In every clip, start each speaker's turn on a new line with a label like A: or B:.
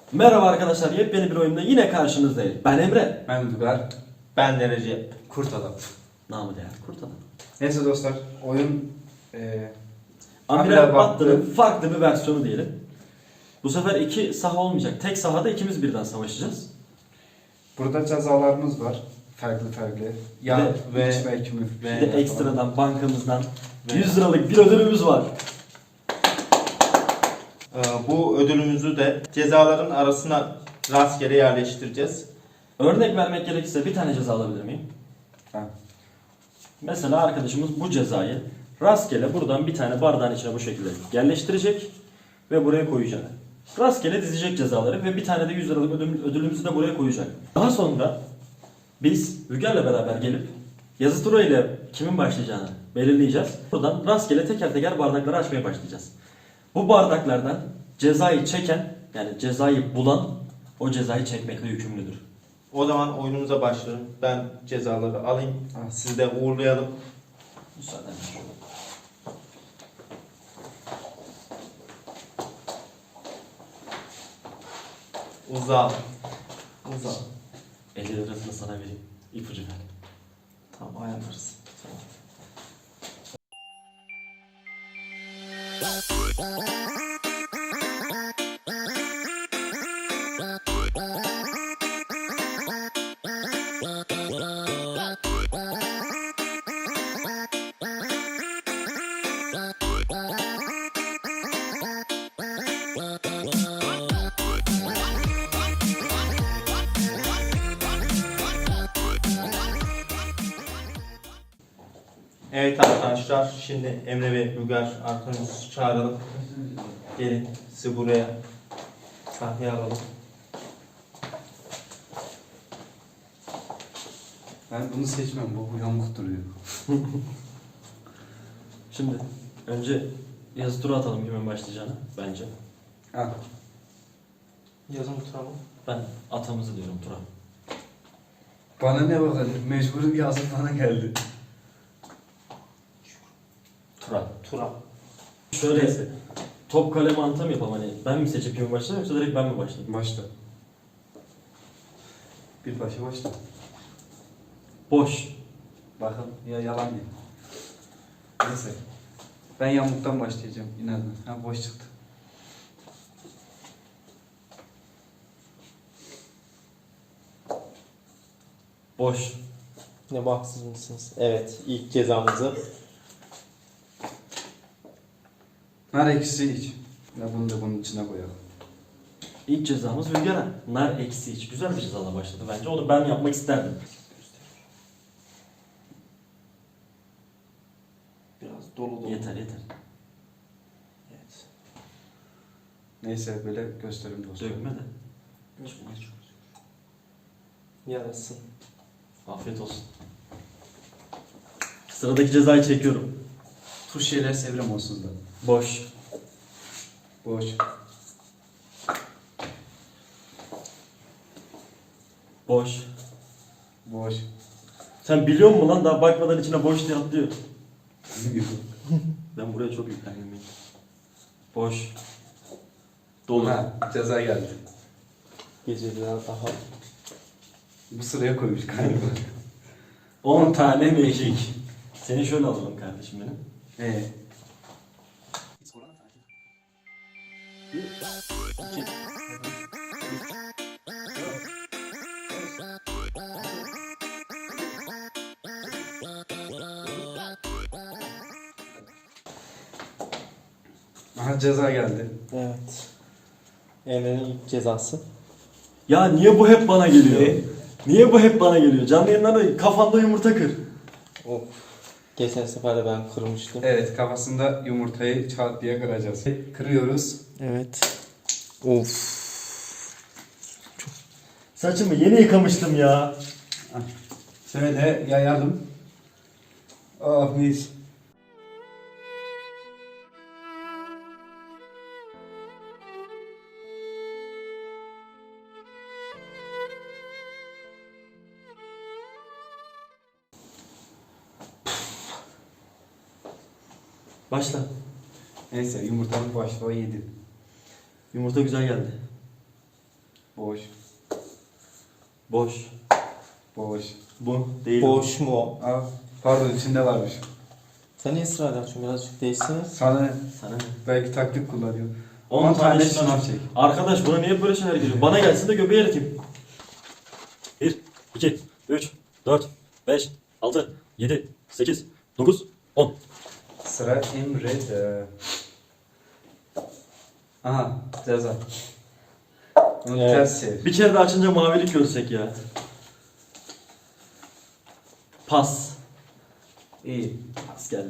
A: Merhaba arkadaşlar, yepyeni bir oyunda yine karşınızdayım. Ben Emre.
B: Ben Uygar.
C: Ben de Recep.
B: Kurt Adam.
A: Namı değer Kurt Adam.
B: Neyse dostlar, oyun
A: Amiral Battı'nın farklı bir versiyonu diyelim. Bu sefer iki saha olmayacak. Tek sahada ikimiz birden savaşacağız.
B: burada cezalarımız var. Farklı. Ya
A: ve-
B: iç ve kümür.
A: Bir de ekstradan bankamızdan 100 liralık bir ödülümüz var.
C: Bu ödülümüzü de cezaların arasına rastgele yerleştireceğiz.
A: Örnek vermek gerekirse bir tane ceza alabilir miyim?
B: Ha.
A: Mesela arkadaşımız bu cezayı rastgele buradan bir tane bardağın içine bu şekilde yerleştirecek ve buraya koyacak. Rastgele dizecek cezaları ve bir tane de 100 liralık ödülümüzü de buraya koyacak. Daha sonra biz Rüger'le beraber gelip yazı tura ile kimin başlayacağını belirleyeceğiz. Buradan rastgele teker teker bardakları açmaya başlayacağız. Bu bardaklardan cezayı çeken, yani cezayı bulan o cezayı çekmekle yükümlüdür.
C: O zaman oyunumuza başlayalım. Ben cezaları alayım. Sizi de uğurlayalım.
A: Müsaadenle.
C: Uza.
A: 50 lirasını sana vereyim. İpucu ver.
C: Tamam, ayarlarız. Tamam. Evet arkadaşlar, şimdi Emre ve Rüger arkadaşımızı çağıralım. Gelin, sizi buraya sahneye alalım.
B: Ben bunu seçmem, bu yamuk duruyor.
A: Şimdi önce yazı tura atalım kimin başlayacağını bence.
B: Ha.
C: Yazın oturalım.
A: Ben atamızı diyorum tura.
B: Bana ne bakalım, mecburum yazım bana geldi.
A: Tura.
C: Tura.
A: Şöyle top kale mantığı mı yapalım, hani ben mi seçip kimin başlayayım yoksa direkt ben mi başlayayım?
B: Başla. Bir başla.
A: Boş.
B: Bakın ya yalan değil. Neyse. Ben yamuktan başlayacağım inadına. Ha boş çıktı.
A: Boş.
C: Ne bahtsız mısınız? Evet, ilk cezamızı.
B: Nar ekşisi iç. Ya bunu da bunun içine koyalım.
A: İlk cezamız Rüger'e. Nar eksi iç. Güzel bir cezayla başladı bence. Onu ben yapmak isterdim.
C: Biraz dolu.
A: Yeter.
C: Evet.
B: Neyse böyle göstereyim dostlar.
A: Dökme de.
C: Yarasın.
A: Afiyet olsun. Sıradaki cezayı çekiyorum.
B: Tuş şeyler sevrem olsun da.
A: Boş.
B: Boş.
A: Boş.
B: Boş.
A: Sen biliyor musun lan, daha bakmadan içine boş diye atlıyor. Ben buraya çok yüklendim. Boş. Dolu.
B: Ha, ceza geldi.
C: Gece biraz daha.
B: Bu sıraya koymuş galiba.
A: 10 tane mekik. Seni şöyle alalım kardeşim benim.
B: Aha ceza geldi.
C: Evet. Emre'nin ilk cezası.
A: Ya niye bu hep bana geliyor?
C: Ne?
A: Niye bu hep bana geliyor? Canlı yayınlarda kafanda yumurta kır.
C: Of. Geçen sefer de ben kırmıştım.
B: Evet kafasında yumurtayı çat diye kıracağız. Kırıyoruz.
C: Evet. Of.
A: Saçımı yeni yıkamıştım ya.
B: Şöyle yayalım. Oh mis.
A: Başla.
B: Neyse yumurtanın başlığı yedi.
A: Yumurta güzel geldi.
B: Boş.
A: Boş.
B: Boş.
A: Bu değil.
C: Boş mu o?
B: Aa, pardon içinde varmış.
C: Sen niye ısrar ediyorsun? Birazcık değişsene.
B: Sana
A: Sana.
B: belki taklit kullanıyor.
A: 10
B: 10
A: tane
B: tane
A: şınav
B: şınav çek.
A: Arkadaş buna niye böyle şeyler geliyor? Bana gelsin de göbeği eriteyim. 1, 2, 3, 4, 5, 6, 7, 8, 9, 10.
B: Sıra Emre'de. Aha ceza. Bunu
A: Evet.
B: ters çevir.
A: Bir kere de açınca mavilik görsek ya. Pas.
B: İyi.
A: Pas geldi.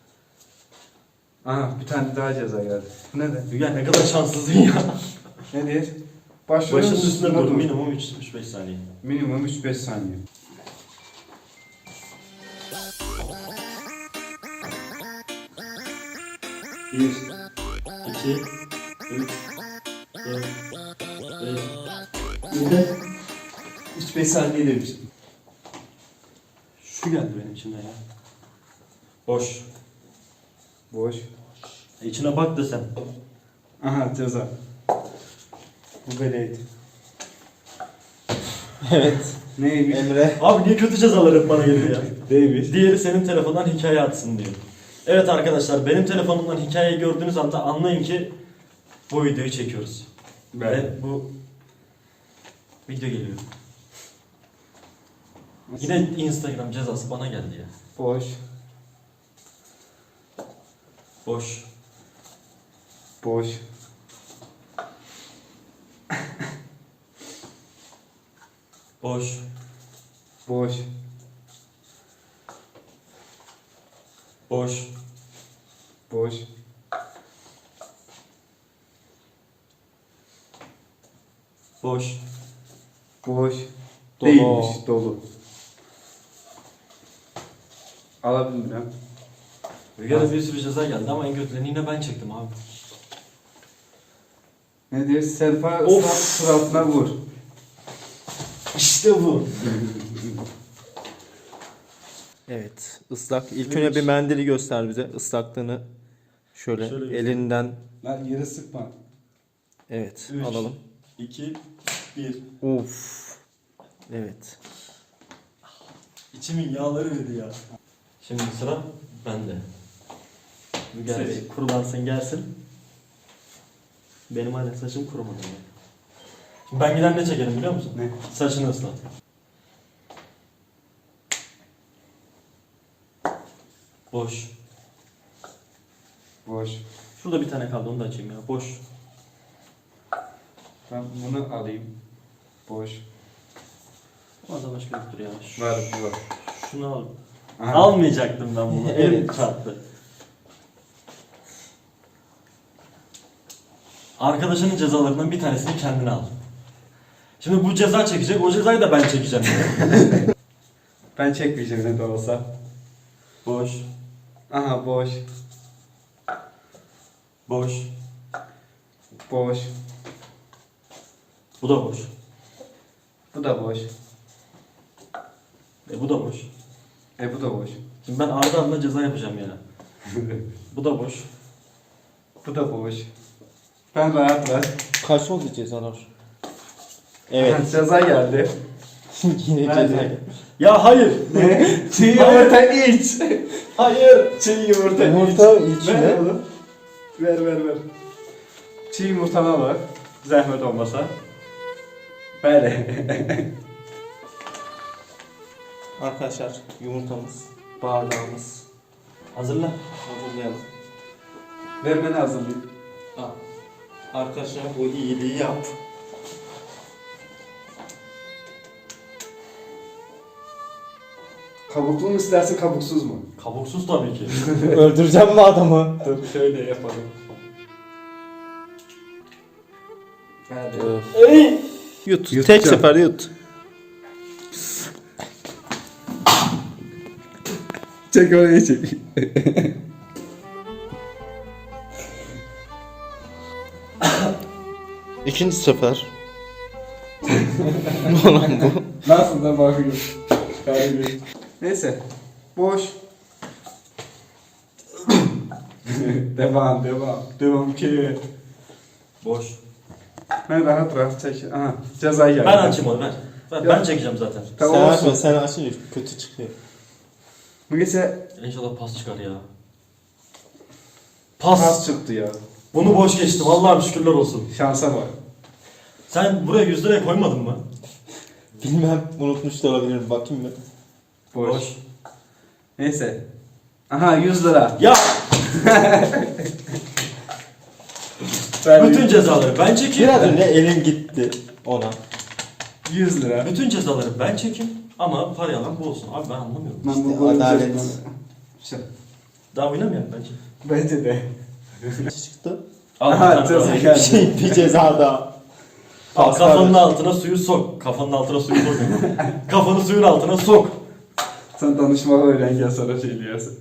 B: Aha bir tane daha ceza geldi. Bu ne de?
A: Ya ne kadar şanssızsın ya.
B: Ne diyor? Başlıyoruz.
A: Başının üstünde dur. Minimum 3-5 saniye.
B: Minimum 3-5 saniye.
A: Bir, iki, üç, dört, beş,
B: 3-5 saniye demiştim.
A: şu geldi benim içimden ya. Boş.
B: Boş.
A: İçine bak da sen.
B: Aha ceza. Bu böyleydi.
C: Evet.
B: Neymiş?
C: Emre.
A: Abi niye kötü cezalar hep bana geliyor ya?
B: Neymiş?
A: Diğeri senin telefondan hikaye atsın diyor. Evet arkadaşlar benim telefonumdan hikayeyi gördüğünüz anda anlayın ki bu videoyu çekiyoruz. Ve bu video geliyor. Yine Instagram cezası bana geldi ya.
B: Boş.
A: Boş.
B: Boş.
A: Boş.
B: Boş.
A: Boş.
B: Boş.
A: Boş.
B: Boş.
C: Dolu.
B: Değilmiş. Dolu. Alabilirim.
A: Rüzgar'a bir sürü ceza geldi ama en kötülerini yine ben çektim abi.
B: Ne diyor? Selpa
A: Of.
B: ıslak suratına vur.
A: İşte bu.
C: Evet. Islak. İlk önce bir mendili göster bize. Islaklığını şöyle,
A: Şöyle göster.
C: elinden.
B: Lan yere sıkma.
C: Evet.
A: 3,
C: Alalım.
A: 2, 1.
C: Uf. Evet.
A: İçimin yağları dedi ya. Şimdi sıra bende. Rüzgar
B: Seç.
A: Bey kurulansın gelsin. Benim hala saçım kurumadı. ya. Şimdi ben giden ne çekerim biliyor musun?
B: Ne?
A: Saçını ıslat. Boş.
B: Boş.
A: Şurada bir tane kaldı onu da açayım ya. Boş.
B: Ben bunu alayım. Boş.
A: Orada başka yoktur ya.
B: Var bu var.
A: Şunu al.
B: Aha.
A: Almayacaktım ben bunu. Elim
C: Evet.
A: çarptı. Arkadaşının cezalarından bir tanesini kendine al. Şimdi bu ceza çekecek, o cezayı da ben çekeceğim.
B: Ben çekmeyeceğim ne de olsa.
A: Boş,
B: Aha boş.
A: boş.
B: Boş.
A: Bu da boş.
B: Bu da boş.
A: Bu da boş.
B: Bu da boş.
A: Şimdi ben ardı ardına ceza yapacağım yani. Bu da boş.
B: Bu da boş. Ben rahat rahat.
C: Kaç oldu cezalar?
B: Aha,
C: Evet.
B: ceza geldi.
C: Yine
B: Nerede?
C: ceza.
A: Ya hayır.
B: Ne? Çiğ yumurta iç.
A: Hayır.
B: Çiğ yumurta iç.
C: Yumurta içine.
B: Ver oğlum. Ver. Çiğ yumurtana bak. Zahmet olmasa. Böyle.
C: Arkadaşlar yumurtamız, bardağımız.
A: Hazırla.
C: Hazırlayalım.
B: Vermeni hazırlayayım.
C: Al. Arkadaşlar bu iyiliği yap.
B: Kabuklu mu istersin kabuksuz mu?
A: Kabuksuz tabii ki.
C: Öldüreceğim mi adamı?
B: Dur şöyle yapalım. Hadi.
C: Yut.
B: Yutacağım.
C: Tek sefer yut.
B: Çek oraya çek.
C: İkinci sefer. Ulan bu.
B: Nasıl da bakıyorum. Neyse. Boş. devam. Devam ki.
A: Boş.
B: Ben rahat rahat çek. Aha cezayı geldi.
A: Ben açayım onu ver. Ben
B: Ya.
A: çekeceğim zaten.
B: Tamam
D: Sen
B: olsun.
D: açma, sen açınca kötü çıkıyor.
B: Bu gece
A: İnşallah pas çıkar ya. Pas.
B: pas çıktı ya.
A: Bunu boş geçtim. Allah'ım şükürler olsun.
B: Şansa bak.
A: Sen buraya 100 liraya koymadın mı?
D: Bilmem, unutmuş da olabilirim. Bakayım mı?
B: Boş. Neyse. Aha 100 lira.
A: Ya
B: Ben
A: bütün cezaları ben çekeyim.
D: Biraz önce elim gitti ona.
B: 100 lira.
A: Bütün cezaları ben çekeyim ama parayı alan bu olsun. Abi ben anlamıyorum.
B: Ben
D: İşte
B: golün
D: adalet.
B: üzerinden- Şey,
A: Daha oynamayalım bence.
B: Bence de.
D: Çıktı.
A: Al bir
B: Aha
A: tane
B: ceza
A: daha.
B: geldi.
D: Bir ceza daha.
A: Al, kafanın altına suyu sok. Kafanın altına suyu sok. Kafanı suyun altına sok.
B: Sen danışma öğren gel sana şey diyorsun.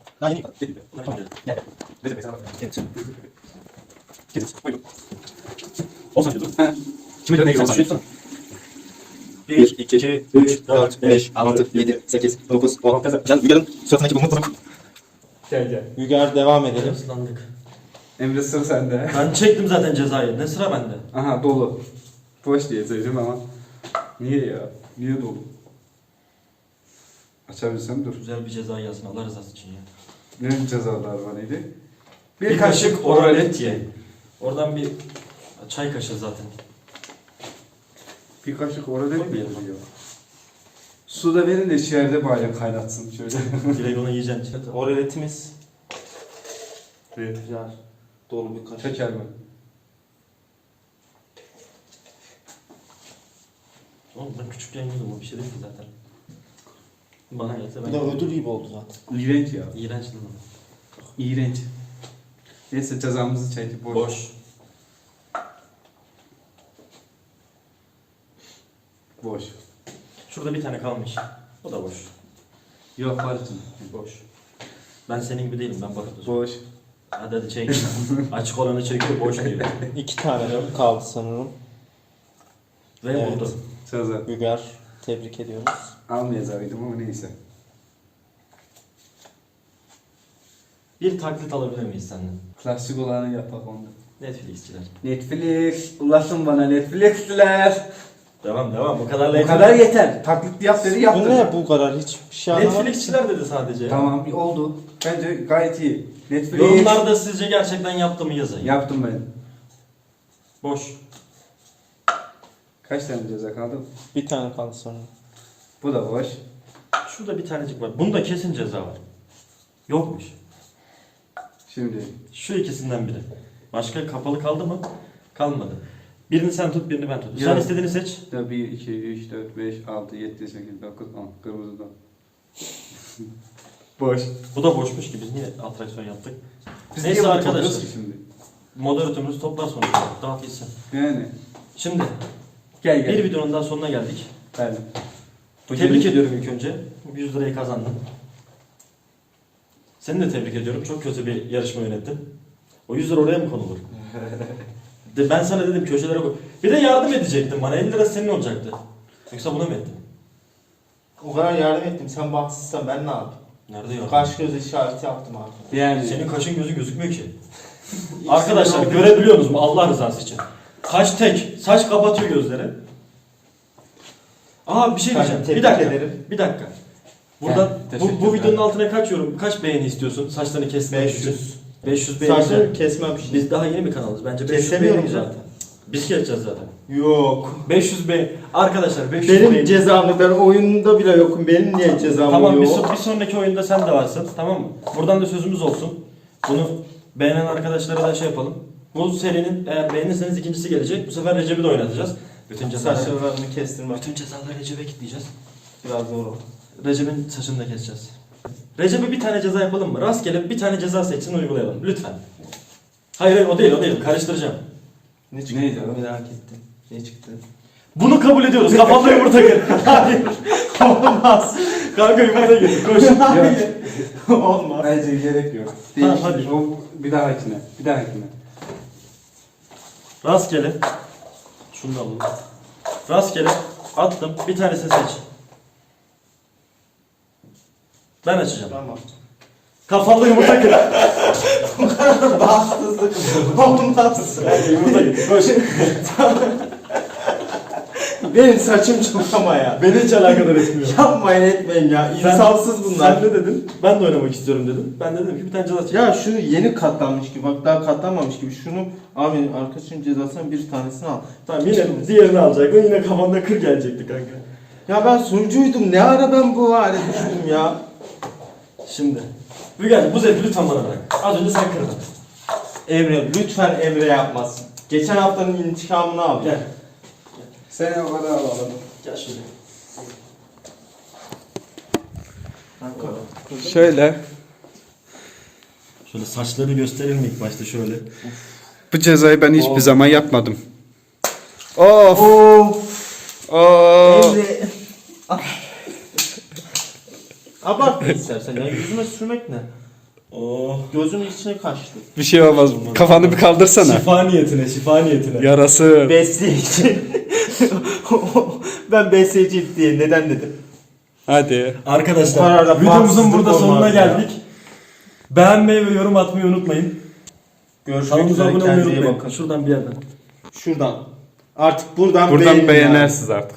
A: Şimdi ne
D: giriyorsun?
A: 1, 2, 3, 4, 5,
D: 6, 7, 8, 9, 10. Can Uygar'ın suratındaki bu mutluluk.
B: Gel gel.
D: Uygar devam edelim.
A: Islandık.
B: Emre sıra sende.
A: Ben çektim zaten cezayı. Ne sıra bende?
B: Aha dolu. Boş diyeceğim ama. Niye ya? Niye dolu? Açabilsem dur.
A: Güzel bir ceza yazın Allah rızası için ya.
B: Ne cezalar var neydi?
A: Bir kaşık oralet ye. Oradan bir çay kaşığı zaten.
B: Bir kaşık oralet mi
A: Koymayalım.
B: yazıyor? Suda verin de içeride bari kaynatsın şöyle.
A: Direkt onu yiyeceksin.
D: Oraletimiz
B: Evet.
D: güzel. Dolu bir kaşık.
B: Şeker mi?
A: Oğlum ben küçükken yiyordum o bir şey değil ki zaten. Bana gelse
D: Bir
A: ben
D: de ödül gibi oldu zaten.
B: İğrenç ya.
A: İğrenç değil mi?
B: İğrenç. Neyse cezamızı çektik boş.
A: Boş.
B: Boş.
A: Şurada bir tane kalmış. O da boş.
B: Yok var için.
A: Boş. Ben senin gibi değilim ben bakıp
B: Boş.
A: hadi çek. Açık olanı çekiyor boş diyor.
D: 2 tane kaldı sanırım.
A: Ve
D: Evet.
A: buldu.
B: Ceza.
D: Uygar, tebrik ediyoruz.
B: Almayacağıydım ama neyse.
A: Bir taklit alabilir miyiz senden?
B: Klasik olanı yapak onda.
A: Netflix'çiler.
B: Netflix. Ulaşın bana Netflix'ler.
A: Devam bu kadar
B: Bu kadar yeter. Taklit yap dedi
D: Bu
B: yaptım.
D: ne bu kadar? Hiç bir şey anlamadım.
A: Netflix'çiler dedi sadece.
B: Tamam oldu. Bence gayet iyi. Netflix.
A: Yorumlarda sizce gerçekten yaptı mı yazın.
B: Yaptım ben.
A: Boş.
B: Kaç tane ceza kaldı?
D: Bir tane kaldı sanırım.
B: Bu da boş.
A: Şurada bir tanecik var. Bunda kesin ceza var. Yokmuş.
B: Şimdi
A: Şu ikisinden biri. Başka kapalı kaldı mı? Kalmadı. Birini sen tut, birini ben tut.
B: Ya.
A: Sen istediğini seç.
B: 1, 2, 3, 4, 5, 6, 7, 8, 9, 10. Kırmızıdan. Boş.
A: Bu da boşmuş ki biz niye atraksiyon yaptık?
B: Biz
A: Neyse
B: niye bunu
A: arkadaşlar.
B: topluyoruz ki şimdi?
A: Moderatörümüz toplar sonuçta. Dağıt gitsin.
B: Yani.
A: Şimdi
B: Gel gel.
A: bir videonun daha sonuna geldik.
B: Ben.
A: Tebrik ediyorum ilk önce. 100 lirayı kazandın. Seni de tebrik ediyorum. Çok kötü bir yarışma yönettin. O 100 lira oraya mı konulur? Ben sana dedim köşelere koy. Bir de yardım edecektin bana. 50 lira senin olacaktı. Yoksa buna mı ettin?
C: O kadar yardım ettim. Sen bahtsızsan ben ne yapayım?
A: Nerede yardım?
C: Kaş göz işareti yaptım abi.
B: Yani.
A: Senin kaşın gözün gözükmüyor ki. Arkadaşlar görebiliyorsunuz mu Allah rızası için? Kaş tek. Saç kapatıyor gözleri. Aa bir şey diyeceğim.
C: Tebrik
A: Bir dakika.
C: ederim.
A: Bir dakika. Buradan
B: teşekkürler.
A: bu videonun altına kaç yorum, kaç beğeni istiyorsun? Saçlarını kesmek için.
C: 500.
A: 500 beğeni.
C: Saçlarını kesmem şimdi.
A: Biz daha yeni bir kanalız. Bence 500
C: Kesemiyorum
A: beğeni güzel.
C: zaten.
A: Biz keseceğiz zaten.
C: Yok.
A: 500 beğeni. Arkadaşlar 500
C: Benim
A: beğeni.
C: cezamı ben oyunda bile yokum. Benim niye cezam
A: Tamam
C: yok?
A: bir sonraki oyunda sen de varsın. Tamam mı? Buradan da sözümüz olsun. Bunu beğenen arkadaşlara da şey yapalım. Bu serinin eğer beğenirseniz ikincisi gelecek. Bu sefer Recep'i de oynatacağız. Bütün cezaları,
C: Saçlarını kestirmem.
A: bütün cezaları Recep'e kitleyeceğiz.
C: Biraz zor o.
A: Recep'in saçını da keseceğiz. Recep'e bir tane ceza yapalım mı? Rastgele bir tane ceza seçsin uygulayalım. Lütfen. Hayır o değil. Karıştıracağım.
C: Ne çıktı?
B: Neydi o?
C: Merak ettim. Ne çıktı?
A: Bunu kabul ediyoruz. Kafamda yumurta kır. Hayır. Olmaz. Kanka yumurta kır. Koş.
C: Olmaz.
B: Bence gerek yok.
A: Tamam,
B: Değiştir.
A: hadi.
B: O bir dahakine. Bir dahakine.
A: Rastgele. Şunu da alalım. Rastgele attım. Bir tanesini seç. Ben açacağım.
C: Tamam.
A: Kafalı yumurta kır.
C: Bahtsızlık olmaz.
A: Yumurta kır. Koş.
C: Benim saçım çok ama ya.
A: Beni hiç alakadar etmiyor.
C: Yapmayın etmeyin ya. İnsafsız bunlar.
A: Sen ne dedin? Ben de oynamak istiyorum dedim. Ben de dedim ki bir tane ceza çek.
C: Ya şunu yeni katlanmış gibi bak daha katlanmamış gibi şunu abi arkadaşın cezasından bir tanesini al.
A: Tamam yine diğerini alacaktın. Yine kafanda kır gelecekti kanka.
C: Ya ben sunucuydum ne ara ben bu hale düştüm ya.
A: Şimdi. Müge bu zevki lütfen bana bırak. Az önce sen kırdın.
C: Emre lütfen Emre yapmasın. Geçen haftanın intikamını al.
A: Gel.
B: Seni o kadar alalım.
A: Gel şöyle.
B: Şöyle.
A: Şöyle saçlarını gösterelim ilk başta şöyle.
B: Bu cezayı ben hiçbir zaman yapmadım. Of.
C: Of.
B: Of.
C: Emre. Abartma istersen ya yüzüme sürmek ne?
A: Oh.
C: Gözümün içine kaçtı.
B: Bir şey olmaz. Kafanı bir kaldırsana.
A: Şifa niyetine, şifa niyetine.
B: Yarası.
C: Besleyici. Ben besleyici diye neden dedim?
B: Hadi.
C: Bu
A: Arkadaşlar
C: kadar da
A: videomuzun
C: bahtsızlık
A: burada sonuna
C: olmaz ya.
A: geldik. Beğenmeyi ve yorum atmayı unutmayın.
C: Görüşmek
A: Kanalımıza
C: üzere
A: abone olmayı
C: kendinize iyi
A: unutmayın.
C: bakın.
A: Şuradan bir yerden.
C: Şuradan. Artık buradan
B: Buradan
C: beğenin
B: beğenersiniz artık.